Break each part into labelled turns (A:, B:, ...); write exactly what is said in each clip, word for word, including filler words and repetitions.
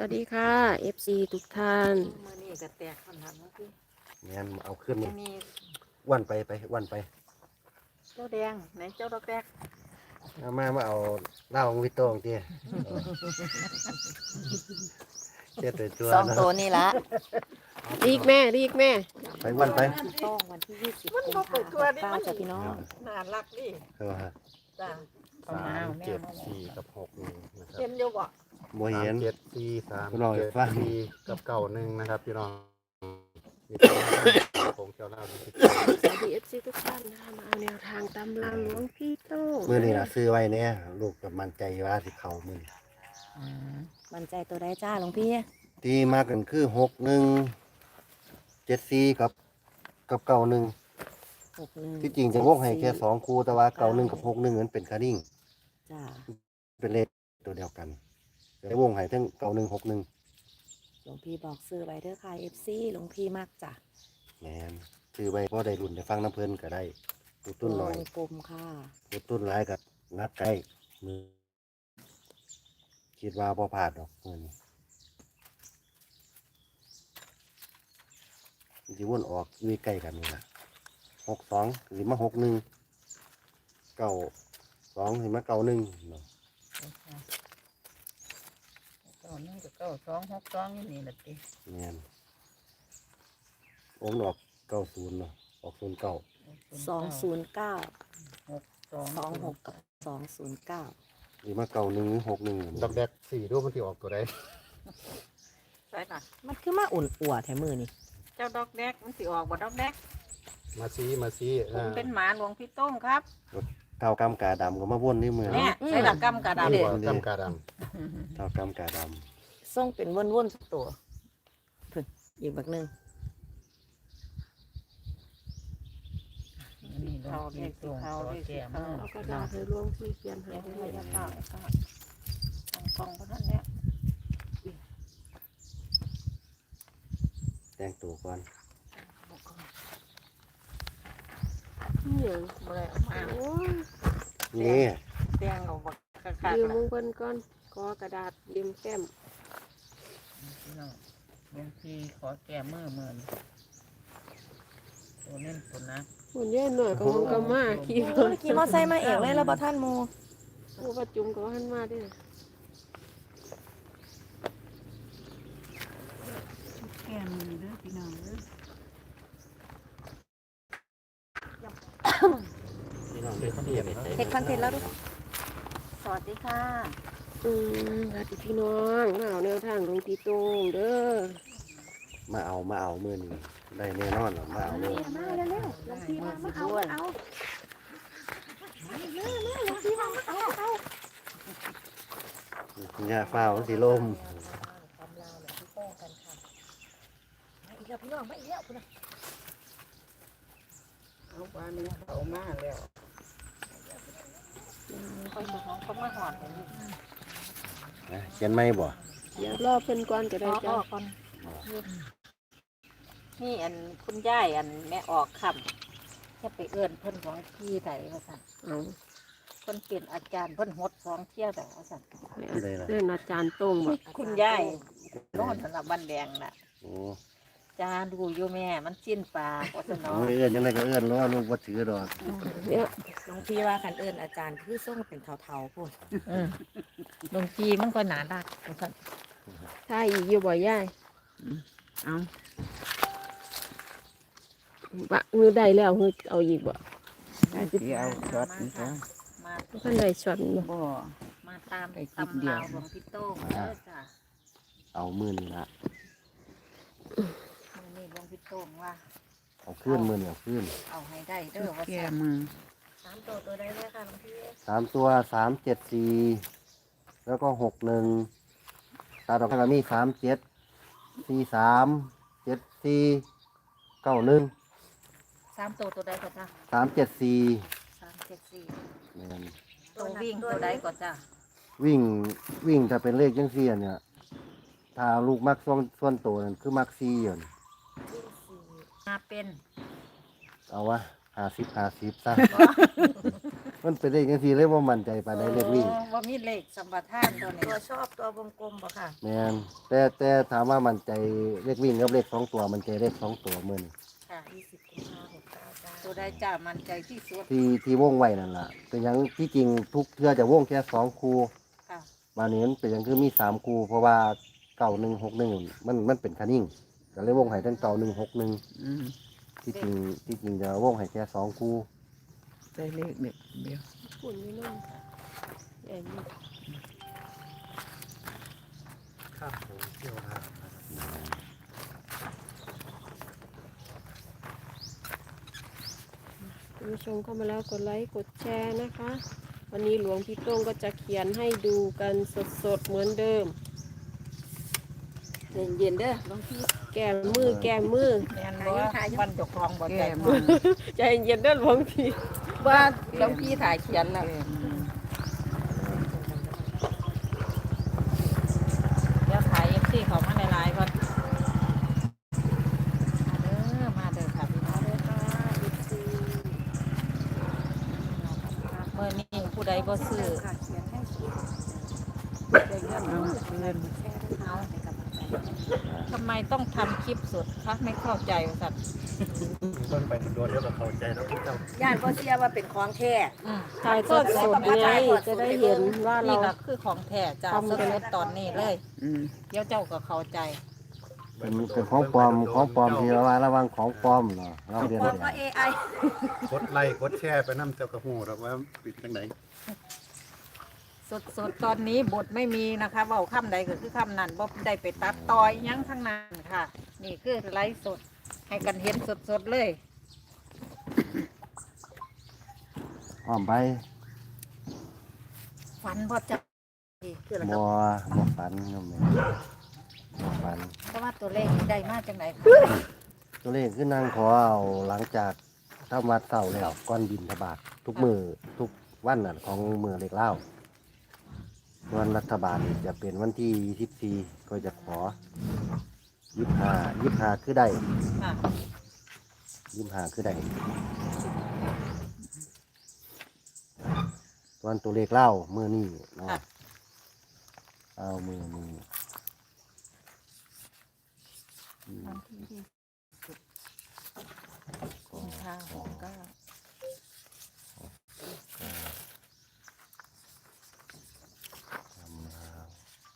A: วัสดีค่ะ เอฟ ซี ทุกท่าน
B: มือนี่ก็แตกขนาดนั้นพี่
C: งั้นเอาขึ้นนี่
B: มี
C: วันไปไปวันไป
B: เจ้าแดงไหนเจ้าดอกแดก
C: เอามามาเอาเหล้าของพี่โต้งเตี้ยเตี้ยตัวตัว
D: สอง
C: นะ
D: ตัวนี่ละ
A: รีกแม่รีกแม่
C: ไปวันไป
D: ต้องวันที่ยี่สิบ
B: มัน
D: กุม
B: ก็
D: ภา
B: เปิดตัว
D: พันธ์
B: นี่
D: เก้า
B: มัน
D: จ้ะพี่น้อง
B: น่ารักดิ
C: เออฮะ
B: จ้า
E: สามเจ็ดสี่กับหกหนึ่งนะครับ
B: เห็นอยู่บ่
C: โมเห็น
E: สามเจ็ดสี่สาม
C: พี่น้อง
E: เจ็ด
C: ฟัง
E: สี่กับเก้าหนึ่งนะครับพี่น้องมีของเจ้าเล่าที่
A: สวัสดี เอฟ ซี ทุกท่านนะคะมาเอาแนวทางตำราหลวงพี่โต้ง
C: มือนี่นะซื้อไว้เนี่ยลูกกับมันใจว่าสิเขามือนี้
D: มันใจตัวใดจ้าหลวงพี่
C: ที่มากันคือหกหนึ่งเจ็ดสี่กับกับเก้าหนึ่ง
D: หกหนึ่ง
C: ที่จริงจะวงให้แค่สองคู่แต่ว่าเก้าหนึ่งกับหกหนึ่งนั้นเป็นคาริ่ง
D: จ้า
C: เป็นเลขตัวเดียวกันแต่วงให้ทั้งเก้าหนึ่งหกหนึ่ง
D: หลวงพี่บอกซื้อไว้เด้อค่ะเอฟซีหลวงพี่มากจ้ะ
C: แมนซื้อไว้เพราะได้รุ่นได้ฟังน้ำเพลินก็ได้ตูตุ้นหน่อย
D: วงกลมค่ะ
C: ตูตุ้นร้ายกับนัดใกล้มือคิดว่าพอผ่าดดอกเงินจีวนออกวีใกล้กันนี่ละหกสองหรือมาหกหนึ่งเก้าสองหรือมาเก้าหนึ่งเนาะ
B: เก้าหนึ่งกับเก้าสองหกสองนี่นี่แหละติ
C: แมนองค์ออกเก้าศูนย์เนาะออกศูนย์เก้า
D: สองศูนย์เก้า
B: หกสอง
D: สองหกกับสองศูนย์เก้า
C: หรือมาเก้าหนึ่งหกหนึ่ง
E: ดอกแดกสี่รูปมันที่ออกตัวใด
B: ใช่ล่ะ
D: มันคือมาอุ่นอัวแถมมือนี่
B: เจ้าดอกแดกมันสิออกบ่ดอกแดก
E: มาซีมาซี
B: ผม
E: อ่า
B: เป็นหมาหลวงพี่โต้งครับ
C: เท่ากำกาดำก็มาวนนี่มือ
B: เนี่ย
C: เนาะ
B: ใส่ละกำกระดาษ
E: หัวกำกาด
C: เท่ากำกาด
D: ส่งเป็นวนๆสักตัวเพิ่นอีกบักหนึ่ง
B: นี่เขาเรียกสิเขาเรียกสิเขา
A: เอากระดาษให้หลวงพี่เขียนให้
B: เดี๋ยว
A: ด้
B: เดี๋
A: วย
B: วย จะเข้าจะเข้าทำกล่องพวกนั้นเนี่ย
C: ำแต่งตัวก่อน
A: เนี่ย
B: เมื่อมา
A: โอ้ย
C: นี่
B: เตียงเอาบักคัก
A: ยืม
B: ๆ
A: มึ
B: นะ
A: งเพิ่นก่อนขอกระดาษยืมแก้ม
B: พี่น้องบางทีขอแก้มือมือนตัวเน้นตัวนะ
A: หุ่นเย็นหน่อยก็มึงก็มาขี่
D: โอ้ยขี่มอไซค์มาเองเลยแล้วบ่ท่านโม
A: กูประจุมก็หันมาด้วย
B: แก้มือเด้อพี่น้องเด้อ
E: พี่น้องเป็นเปลี่ยน
D: เฮ็ดคอนเทนต์แล้วดู
B: สวัสดีค่ะ
A: อืมสวัสดีพี่น้องมาเอาแนวทางหลวงพี่โต้งเด้อ
C: มาเอามาเอามือนี่ได้แน่นอนหรอมาเอาเลย
D: มาเร็วๆหลวงพี่มามาเอามาเอา
C: ยาฟ้าวสีลม
D: ตำราหลวงพี่โต้งกันค่ะมาอีกแล้วพี่น้องมาอีกแล้วพุ่นน่ะ
B: เอาปลานี้เขามาแล้วคนของเขามาหอดเลย
C: นะเขียนไม่บ่
A: เดี๋ยวรอเพิ่นก่อนก็ได้
B: อ๋อ
A: จ้ะ
B: ก่อนนี่อันคุณย่ายอันแม่ออกคำแค่ไปเอื้อนเพิ่นของพี่ไถว่าสั่น
A: เอา
B: เพิ่นเป็นอาจารย์เพิ่นหดสองเที่ยวแต่ว่าสั่น
C: เลยล่ะ
A: เล่นอาจารย์โต้งบ่
B: คุณย่ายโน่นสำหรับบันแดงน่ะ
C: โอ้
B: จาดูอยู่แม่มันสิ้นปลาว่าสนอ
C: ไม่เอื้อนยังไงก็เอื้อนล้อลูกว่าถือดอก
A: เดี๋ยว
D: หลวงพี่ว่าคันเอิญอาจารย์คือส่งเป็นเทาๆพุ่น
B: ดงจีมันก็หนาดักว่าสั่น
A: ถ้าอีกอยู่บ่ยาย
B: เอา
A: บะมือได้แล้วมือเอาอีกบ่
B: เอาช็อตนี่จ้ะมา
A: เพิ่นได้ช็อตบ่
B: บ่มาตามตำราวหลวงพี่โต้งเด้อจ้ะ
C: เอามือนี่ละ
B: มื้อนี้หลวงพี่โต้งว่า
C: เอาขึ้นมือนี่เอาขึ้น
B: เอาให้ได้เด้อว่าสั่นสามตัวตัวใดเลยค่ะหลวงพี่
C: สามตัวสามเจ็ดสี่แล้วก็หกหนึ่งตาดอกกระมีสามเจ็ดสี่สามเจ็ดสี่เก้าหนึ่ง
B: สามตัวตัวใดก่อนจ้ะ
C: สามเจ็ดสี่
B: สามเจ็ดสี่
C: เนี่ย
B: ตัววิ่งตัวใดก่อนจ้ะ
C: วิ่งวิ่งถ้าเป็นเลขยังเสียเนี่ย ถ้าลูกมักส่วนส่วนตัวนั่นคือมักซีอยู่นั่น
B: มาเป็น
C: เอาวะห้าสิบห้าสิบซะมันเป็นเลขจังซี่เลยบ่มั่นใจปานใดเลขวิ่ง
B: โอ้ว่ามีเลขสัมปทานตัวนี้
D: ตัวชอบตัววงกลมบ่ค่ะ
C: แม่นแต่แต่ถามว่ามั่นใจเลขวิ่งกับเลขสองตัวมันใจเลขสองตัวมื้อนี้
B: ค่ะ
D: ยี่สิบกุมภาพันธ์หกเก้าจ้า
B: ตัวได้จ้ามันใจที่สุด
C: ที่ที่วงไว้นั่นล่ะเป็นหยังที่จริงทุกเทื่อจะวงแค่สองคู่
B: ค่ะ
C: บานนี้มันเป็นหยังคือมีสามคู่เพราะว่าเก้าหนึ่งหกหนึ่งมันมันเป็นคันนิ่งก็เลยวงให้ทั้งเก้าหนึ่งหกหนึ่ง
F: อืม
C: ที่จริงที่จริงจะวงให้แค่สองคู่
F: ได้เลขเด็กเดียว
A: ฝุ่นไม่นุ่มใหญ่มาก
E: ครับผมเที่ยวทาง
A: คุณผู้ชมเข้ามาแล้วกดไลค์กดแชร์นะคะ วันนี้หลวงพี่โต้งก็จะเขียนให้ดูกันสดๆเหมือนเดิม
B: เย็นๆเด้อหลวงพี่
A: แก้มือแก้มือ
B: แม่นบ่วันเจกครองบ่ใจ
F: แก้
B: พ
F: มื
B: อ
F: อ
A: ใจเย็นๆเด้อหลวงพี่
B: ว่าหลวงพี่ถ่ายเขียนแล้ว
F: แก้มือ
B: เดี๋ยวถ่ายเอฟซีเขามาในไลน์ก่อนมาเด้อมาเด้อค่ะพี่น้องเด้อค่ะเอฟซีเมื่อนี้ผู้ใดบ่ซื้อ
D: ค่ะเขียนให้สุด
B: ได้เงิน
F: เอา
B: เอา
F: เพื่อน
D: แชร์ด้วยนะในกำลังใจ
B: ทำไมต้องทำคลิปสดคะไม่เข้าใจว่าสัตว์
E: เพิ่นไปโดนเดี๋ยวก็เข้าใจแล้วพี่เจ้า
D: ย่านก็เสียว่าเป็นของแท้
B: อืม
A: ถ่ายทอดสดไงจะได้เห็นว่าเรา
B: นี่ก็คือของแท้จ้า
A: ทำ
B: ส
A: กัน
B: ดๆตอนนี้เลย
F: อืม
B: เดี๋ยวเจ้าก็เข้าใจ
C: เป็นเป็นของปลอมของปลอมที่ระวังระวังของปลอมเนาะเราเรียน
D: เพ
C: เรี
D: ราะ
C: ย
D: ว่า
C: น
D: เอไอก
E: ดไลค์กดแชร์ไปน้ำเจ้ากระหูหรอกว่าปิดจังไหน
B: สดๆตอนนี้บทไม่มีนะคะเว่าคำใดก็คือคำนั้นบ่ได้ไปตัดต่อยหยังทั้งนั้นค่ะ นี่คือไลฟ์สดให้กันเห็นสดๆเลย
C: อ้อมไป
B: ฝันบ่จะ
D: คืออะไร
C: บ่
D: ครับ
C: บ่ฝันโยมแม่บ่ฝัน
B: เพราะว่าตัวเลขนี่ได้มาจากไหนคะ
C: ตัวเลขคือนางขอเอาหลังจากทำวัดเสาแล้วก้อนบินทบาททุกมือทุกวันน่ะของมือเล็กเล่าวันรัฐบาลจะเป็นวันที่ยี่สิบสี่ก็จะขอยี่ห้ายี่ห้าคือได้
B: ค่ะ
C: ยี่ห้าคือได้วันตัวเลขเล่ามือนี่เนาะ
B: ค่ะ
C: เอามือมืออืม
B: วันที่ยี่สิบกุมภาพันธ์หกเก้า
C: ทำลาว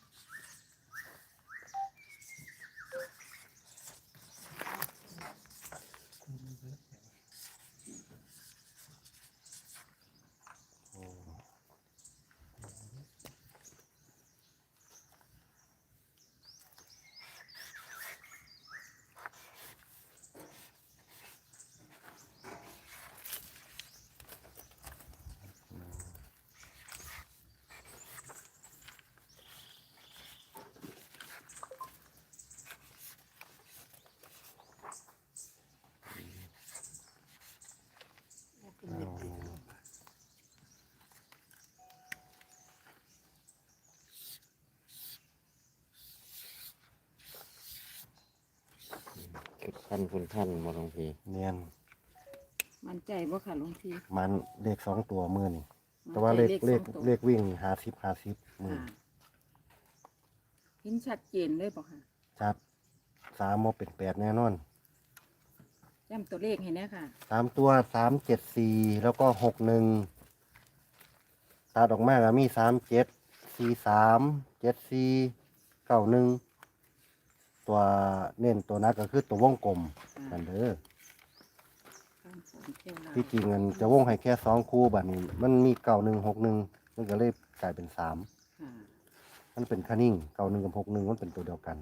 G: ท่านคุณท่านมาลงพี
C: เนียน
F: มันใจบ่ค่ะหลวงพี่
C: มันเลขสองตัวมือนี่แต่ว่าเลขเลขเลขวิ่งหาสิบหาสิบมือ
F: ค่ะเห็นชัดเจนเลยบ่ค่ะ
C: ชัดสามโมเป็นแปดแน่นอน
F: ย้ำตัวเลขให้แน่ค่ะ
C: สามตัวสามเจ็ดสี่แล้วก็หกหนึ่งตัดออกมาก็มีสามเจ็ดสี่สามเจ็ดสี่เก้าหนึ่งตัวเน้นตัวนักก็คือตัววงกลมกันเด้อ
F: ข้ามฝนเที่ยวลาว
C: ที่จริงมันจะวงให้แค่สองคู่บัดนี้ มันมีเก้าหนึ่งหกหนึ่งมันก็เลยกลายเป็นสาม
F: ค่ะ
C: มันเป็นคันนิ่งเก้าหนึ่งกับหกหนึ่งมันเป็นตัวเดียวกัน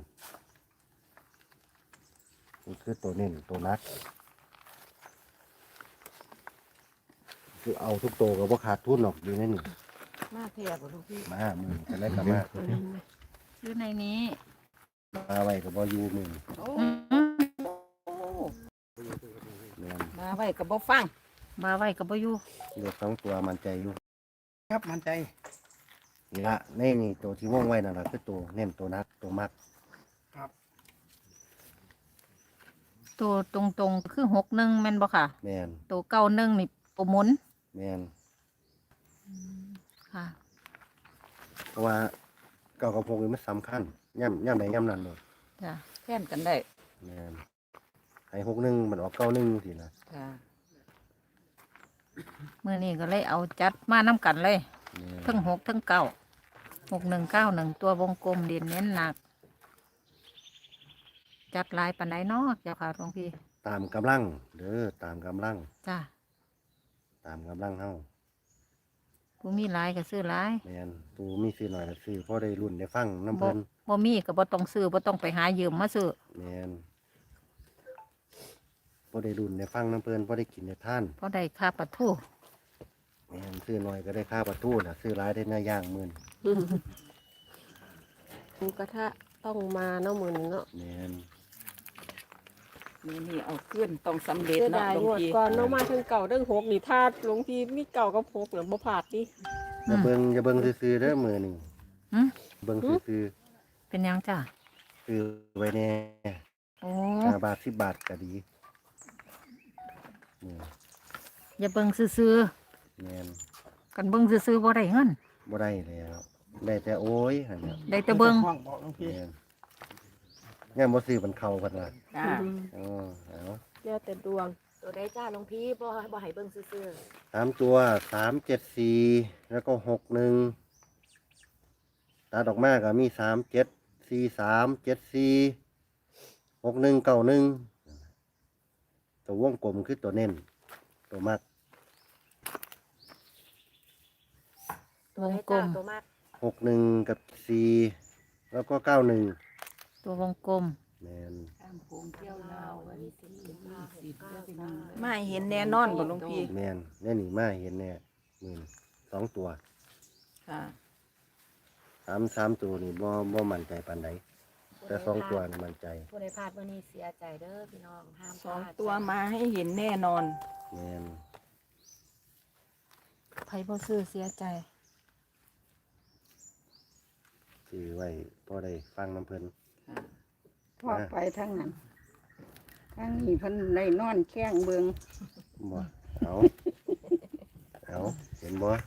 C: นี่คือตัวเน้นตัวนัก คือเอาทุกตัวกับว่าขาดทุนหรอกอยู่ในนี่
F: มาเทียบบ่หลวงพี่
C: มามือจะได้กลับมา
B: คือในนี้
C: มาไว้กับว่าอยู่มือ
F: โอ้
C: แม่น
F: มาไว้กับบ่ฟัง
B: มาไว้กับบ่อยู่
C: เลือกสองตัวมันใจอยู่
E: ครับมันใจ
C: นี่ละในนี่ตัวที่ว่องไว้นั่นแหละคือตัวเน้นตัวนักตัวมัก
B: ตัวตรงๆคือหกหนึ่งแม่นบ่ค่ะ
C: แมน
B: ตัวเก้าหนึ่งนี่ตัวหมุน
C: แมน
B: ค่ะ
C: เพราะว่าเก้ากับหกนี่มันสำคัญย่ำย่ำใดย่ำนั้นเลย
B: จ้ะแค่นกันได้
C: แม่นให้หกหนึ่งมันออกเก้าหนึ่งสินะ
B: จ้ะมื้อนี้ก็เลยเอาจัดมานํกันเลย
C: แม่น
B: ทั้งหกทั้งเก้าหกหนึ่งเก้าหนึ่งตัววงกลมเด่นเน้นหนัก จัดหลายปันไดเนาะเจ้าค่ะหลวงพี่
C: ตามกำลังเด้อตามกำลัง
B: จ้ะ
C: ตามกำลังเฮา
B: ผู้มีหลายก็ซื้อหลาย
C: แม่นตูมีซื้อหน่อยก็ซื้อพอได้รุ่นได้ฟังน้ำ
B: บ่
C: เพิ่น
B: บ่มีก็บ่ต้องซื้อบ่ต้องไปหายืมมาซื้อ
C: แม่นพอได้รุ่นได้ฟังน้ำเพิ่นพอได้กินได้ทาน
B: เพราะได้ค่าปลาทู
C: แม่นซื้อหน่อยก็ได้ค่าประตูน่ะซื้อหลายได้เนื้อย่างหมื่น
A: หมูกระทะต้องมาเนาะมือนี้เนาะ
C: แม่น
F: นี่นี่เอาขึ้นต้องสำเร็จ
A: เสีย
F: เนาะ
A: ดาย
F: หลว
A: ง
F: ง
A: วด
F: พี่
A: ก่อนเนาะมาทั้งเก่าทั้งหกนี่ถ้าหลวงพี่มีเก่ากับหกเนี่ยบ่พลาดดิ
C: อย่าเบิ่งอย่าเบิ่งซื่อๆเด้อมื้อนี้
B: หึ
C: เบิ่งซื่อ
B: เป็นหยังจ้ะ
C: ๆซื้อไว้แน่
B: โอ้
C: ห้าบาทสิบบาทก็ดีแม่น
B: อย่าเบิ่งซื่อ
C: แม่น
B: ๆกันเบิ่งซื่อๆบ่ได้เงิน
C: บ่ได้แล้วได้แต่โอ้ยหั่นน่ะ
B: ได้แต่เบิ่ง
C: แม่นย่ามบ่ซื้อมันเข้าเพิ่นว่า
F: จ้า
C: อ๋อเอา
A: แล้วแต่ดวง
D: ตัวได้จ้าหลวงพี่บ่บ่ให้เบิ่งซื่อ
C: สามตัวสามเจ็ดสี่แล้วก็หกหนึ่งตัดออกมาก็มีสามเจ็ดสี่สามเจ็ดสี่หกหนึ่งเก้าหนึ่งตัววงกลมคือตัวเน้นตัวมัก
D: ๆตัว
B: วง
D: ได้
B: กล
D: จ้าม ตัวมาก
C: หกหนึ่งกับสี่แล้วก็เก้าหนึ่ง
B: ตัววงกลม
C: แมน
F: ข้ามโค้งเที่ยวลาววันที่สิบสิบห้าสิบ
D: เก้า
F: เที่ยวไป
D: เก้า
F: นั่งไม่เห็นแน่นอนบ่หลวงพี่
C: แมนแน่นี่มาเห็นแน่หมื่นสองตัว
F: ค่ะ
C: สามสามตัวนี่บ่บ่มั่นใจปานใดแต่สองตัวนี่มั่นใจ
D: ผู้ใดพลาดมื้อนี้เสียใจเด้อพี่น้องห้ามพ
F: สอง
D: ลาด
F: ตัวมาให้เห็นแน่นอน
C: แมน
B: ไผบ่ซื้อเสียใจ
C: ซื้อไว้พอได้ฟังน้ำเพิ่น
H: พ่อไปทั้งนั้นทั้งนี้เพิ่นได้นอนแข้งเบิง
C: บ่เอาเอาเห็นบ่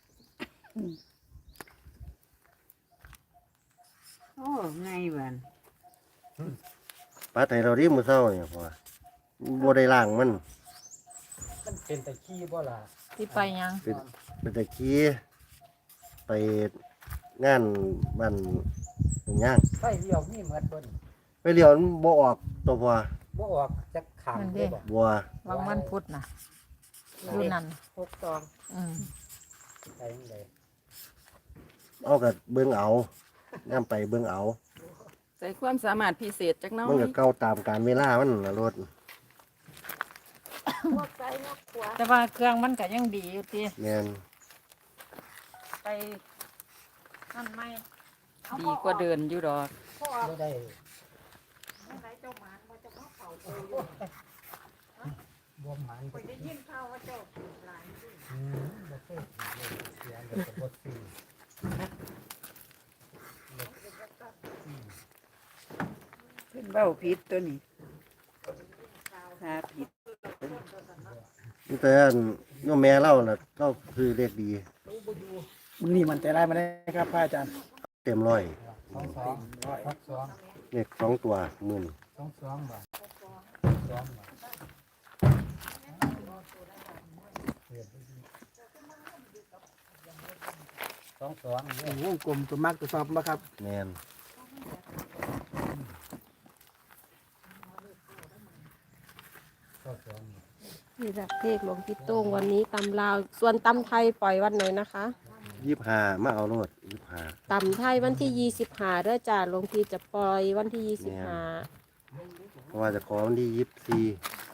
F: โอ้ไงบ้าน
C: ปัดให้เราดิมื้อเช้าเนี่ยพอบ่ได้ล้างมัน
E: เป็นตะขี้บ่ล่ะ
B: ที่ไปหยัง
C: เป็นเป็นตะกี้ไปงานบ้านตรงย่าง
E: ไฟเลี้ยวมีเหมือนเบิ่น
C: ไปเลี้ยวมันบ่ออกตัวพอ
E: บ่ออกจักขางเลยบ่
C: บัว
B: วางวันพุธน่ะอยู่นั่น
D: หกสอง
B: อืม
E: ไปจังได
C: เอากับเบิ่งเอาย่ำไปเบิ่งเอา
F: ใส่ความสามารถพิเศษจักหน้อ
C: มัน
F: ย
C: ก็เก่าตามการเวลามันน่ะรถ
D: พวกไส้นกขัว
B: แต่ว่าเครื่องมันก็ยังดีอยู่ติ
C: แม่น
B: ไปนั่นไหม
F: ดีกว่าเดินอยู่ดอก
E: บ่ได้บ่หมันได้ยินข่าวว่าเจ้าหลายอืมบ่เคยเสียเดี๋ยวก็บ่ซื้อ
H: เพิ่นเว้าผิดตัวนี้หาผิด
C: นี่แต่อันโยมแม่เล่าน่ะเล่าคือเลขดี
I: มือนี้มันแต่ได้มาได้ครับพระอาจารย์
C: เต็มร้อย
E: สองสองหกสอง
C: เลขสองตัวหมื่น
E: สองสองบาทสองบาทสองสอง
I: โอ้โหวงกลมตัวมากตัวชอบมาครับ
C: แม่น
E: สองสอง
A: นี่จากเลขหลวงพี่โต้งวันนี้ตำลาว ส่วนตำไทยปล่อยวันไหนนะคะ
C: ยี่สิบห้ามาเอาโลดยี่สิบห้า
A: ตำไทยวันที่ยี่สิบห้าเด้อจ้าหลวงพี่จะปล่อยวันที่ยี่สิบห้า
C: เพราะว่าจะขอวันที่ยี่สิบสี่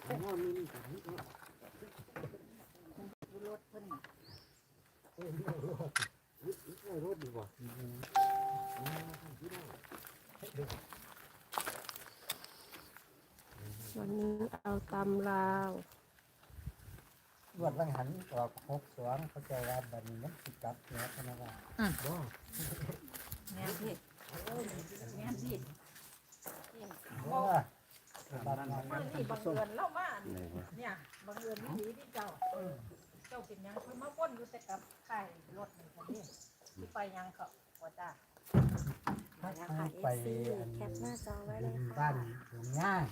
A: วันนี้เอาตำลาว
E: รวดลังหันออกหกสองเขาใจว่าบัดนี้มันสิกลับเนื้อพนักงานบ่
B: แม่นพี่แม่นพี่
E: บ่บัดนั้น
B: นี่บังเอิญเล่ามา
C: ไหนวะ
B: เนี่ยบังเอิญวิถีที่เจ้าเจ้าเป็นหยังเพิ่นมาวนอยู่แต่กับไข่ไปยังเขาว่าจ้า
E: ถ้า
D: แล้ว
E: ทา
D: ค่ะ
E: ง
D: เอ
E: ไป
D: ฟซี
E: อัน
D: แคปหน้าจอไว้เลย
E: บ้า
D: ค่ะ
E: นหลวงง่าย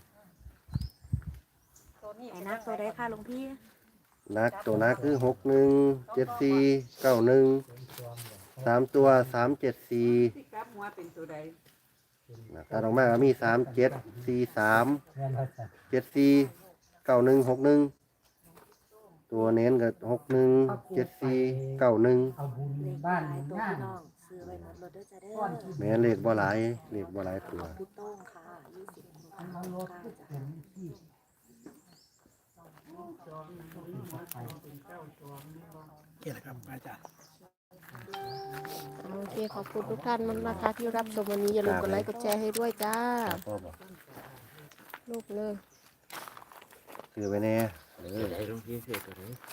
B: ตัวนี้
D: ไหนนับตัวได้ค่ะหลวงพี่
C: นักตัวนักคือหกหนึ่งเจ็ดสี่เก้าหนึ่ง
E: เป็นตัวเหมือน
C: สามตัวสามเจ็ดสี่
F: ที่กลับหัวเป็นตัวใด
C: ตัดออกมาก็มีสามเจ็ดสี่สาม
E: เงินเราจะ
C: เจ็ดสี่เก้าหนึ่งหกหนึ่งตัวเน้นก็หกหนึ่งเจ็ดสี่เก้าหนึ่ง
E: เอาบุญ
D: เลข
E: บ้าน
D: ห
E: หล
D: ลายว
E: ง
D: ตัว
E: ง่าย
D: พี่น้องซื้อไว้หมดรถด้วยจ้าเด้อ
C: แม่นเลขบ่หลายเลขบ่หลายตัว
D: พี่โต้งค่ะยี่สิบหก
E: อัน
D: เก้า
E: เอารถ
D: จ้า
E: เป็นที่
I: นี่แหละครับพระอาจารย์
A: โอเคขอบคุณทุกท่านมากนะคะที่รับชมวันนี้อย่าลืมกดไลค์กดแชร์ให้ด้วยจ้า
C: ครับพ่อบอก
A: ลูกเลย
C: คือไปแน่
G: เออไหนหลวงพี่เสกตัวไหน